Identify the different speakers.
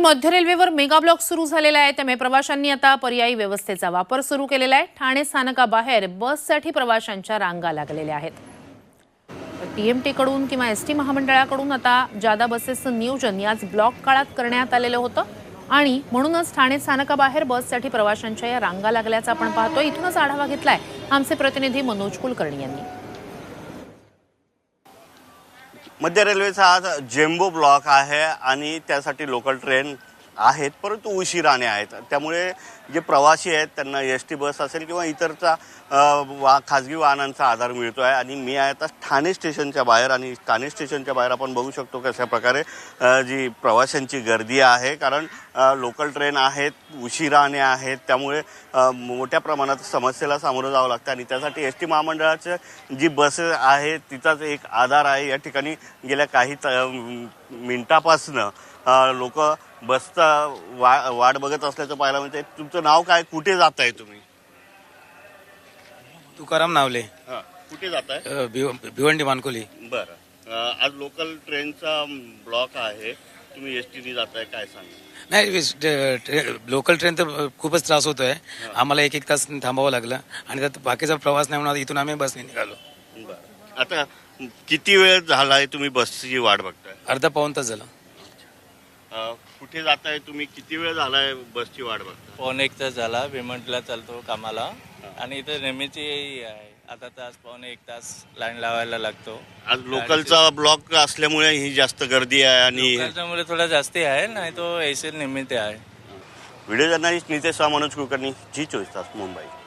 Speaker 1: मध्य रेल्वेवर mega block सुरू झालेला आहे, त्यामुळे प्रवाशांनी आता पर्यायी व्यवस्थेचा वापर सुरू केलेला आहे। ठाणे स्थानकाबाहेर बससाठी प्रवाशांच्या रांगा लागलेल्या आहेत। टीएमटी कडून किंवा एसटी महामंडळाकडून आता जादा बसेसचं नियोजन याच ब्लॉक काळात करण्यात आलेलं होतं आणि म्हणूनच ठाणे स्थानकाबाहेर बससाठी प्रवाशांच्या या रांगा लागल्याचं आपण पाहतोय। इथूनच आढावा घेतलाय आमचे प्रतिनिधी मनोज कुलकर्णी यांनी।
Speaker 2: मध्य रेल्वेचा आज जेम्बो ब्लॉक आहे आणि त्यासाठी लोकल ट्रेन आहेत, परंतु उशिराने आहेत। त्यामुळे जे प्रवासी आहेत त्यांना एसटी बस असेल किंवा इतरचा खाजगी वाहनांचा आधार मिळतो आहे। आणि मी आहे आता ठाणे स्टेशनच्या बाहेर आणि ठाणे स्टेशनच्या बाहेर आपण बघू शकतो कशा प्रकारे जी प्रवाशांची गर्दी आहे, कारण लोकल ट्रेन आहेत, उशिराने आहेत, त्यामुळे मोठ्या प्रमाणात समस्येला सामोरं जावं लागतं आणि त्यासाठी एसटी महामंडळाचे जी बस आहे तिचाच एक आधार आहे। या ठिकाणी गेल्या काही मिनिटापासून लोक बसचा वाट बघत असल्याचं पाहायला मिळतंय। तुमचं नाव काय, कुठे जात आहे तुम्ही?
Speaker 3: तुकाराम नावले।
Speaker 2: कुठे जात आहे?
Speaker 3: भिवंडी मानकोली।
Speaker 2: बरं, आज लोकल ट्रेनचा ब्लॉक आहे, तुम्ही एसटीने जाताय, काय सांगा?
Speaker 3: नाही, लोकल ट्रेन तर खूपच त्रास होतोय आम्हाला, एक तास थांबावं लागलं आणि त्यात बाकीचा प्रवास नाही होणार, इथून आम्ही बसने निघालो।
Speaker 2: बरं, आता किती वेळ झालाय तुम्ही बसची वाट बघताय?
Speaker 3: अर्धा पाऊण तास झालं।
Speaker 2: कुठे जाताय तुम्ही, किती वेळ झालाय बसची वाट बघताय?
Speaker 4: पाऊण एक तास झाला, भिवंडीला चालतो कामाला आणि इथं नेहमीची आहे, आता तास पाऊण एक तास लाईन लावायला लागतो।
Speaker 2: आज लोकलचा ब्लॉक असल्यामुळे ही जास्त गर्दी आहे आणि
Speaker 4: त्याच्यामुळे थोडा जास्ती आहे, नाही तो ऐसे निमित्त आहे।
Speaker 2: Video journalist Nitesh Manoj Kulkarni, Zee 24 Taas, Mumbai.